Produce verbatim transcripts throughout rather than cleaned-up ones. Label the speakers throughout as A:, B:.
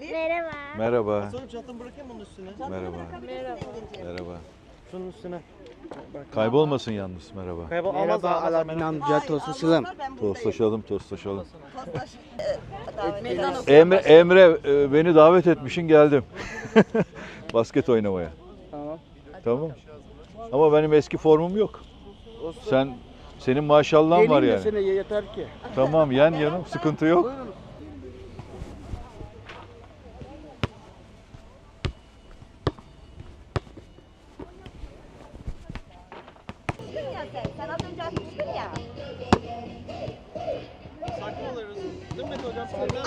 A: Merhaba.
B: Merhaba.
C: Sonra çantamı bırakayım onun üstüne.
B: Merhaba.
A: Merhaba.
B: Merhaba.
C: Şunun üstüne.
B: Kaybolmasın yalnız. Merhaba.
C: Kaybol almaz
D: Merhaba
C: almaz.
D: Alaaddin amca, tostlaşalım.
B: Tostlaşalım, tostlaşalım.
A: Meydan
B: Emre, Emre e, beni davet etmişsin, geldim. Basket oynamaya.
D: Tamam.
B: Tamam. Ama benim eski formum yok. Sen senin maşallahın var
D: Geleyim de
B: yani.
D: sene yeter ki.
B: Tamam, yen yanım, sıkıntı yok.
D: Buyurun.
A: ya sen. Sen az önce atmıştın ya.
C: Sakin oluyoruz. Değil mi hocam?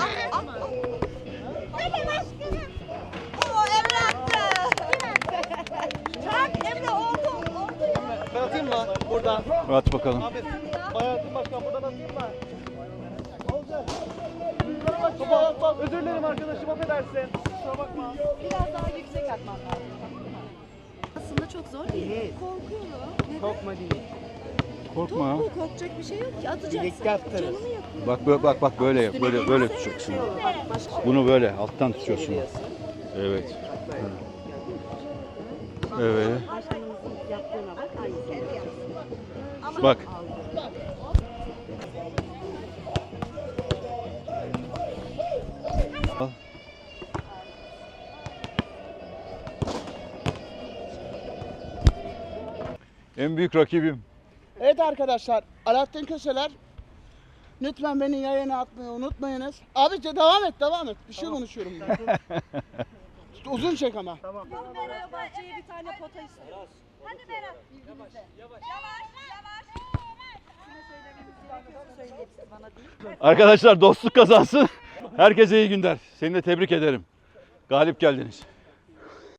A: Hadi başkanım. Oo Emre attı. Çak Emre oldu. Oldu ya.
C: Ben atayım mı? Buradan.
B: At bakalım.
C: Ahmet. Bayatın başkan buradan atayım mı? Olacak. Baba, baba, özür dilerim arkadaşım, affedersin. Kusura bakma.
E: Biraz daha yüksek atman lazım. Aslında çok zor değil. Korkuyorum. Neden?
D: Korkma değil.
B: Korkma.
E: Top bu, korkacak bir şey yok ki. Atacaksın.
D: Birlikte atarız.
E: Canını yakıyor.
B: Bak böyle, bak bak böyle yap, böyle böyle tutacaksın. Bunu böyle alttan tutuyorsun. Evet. Evet.
E: Başkanımızın yaptığına bak. Aynısı.
B: Bak. Al. En büyük rakibim.
D: Evet arkadaşlar, Alaaddin Köseler. Lütfen beni yayına atmayı unutmayınız. Abi de devam et, devam et. Bir şey konuşuyorum ben. Uzun çek ama.
E: Fenerbahçe'ye bir tane pota istiyoruz.
A: Hadi Berat. Yavaş. Yavaş. Yavaş.
E: Söyleyebilirsin bana değil.
B: Arkadaşlar dostluk kazansın. Herkese iyi günler. Seni de tebrik ederim. Galip geldiniz.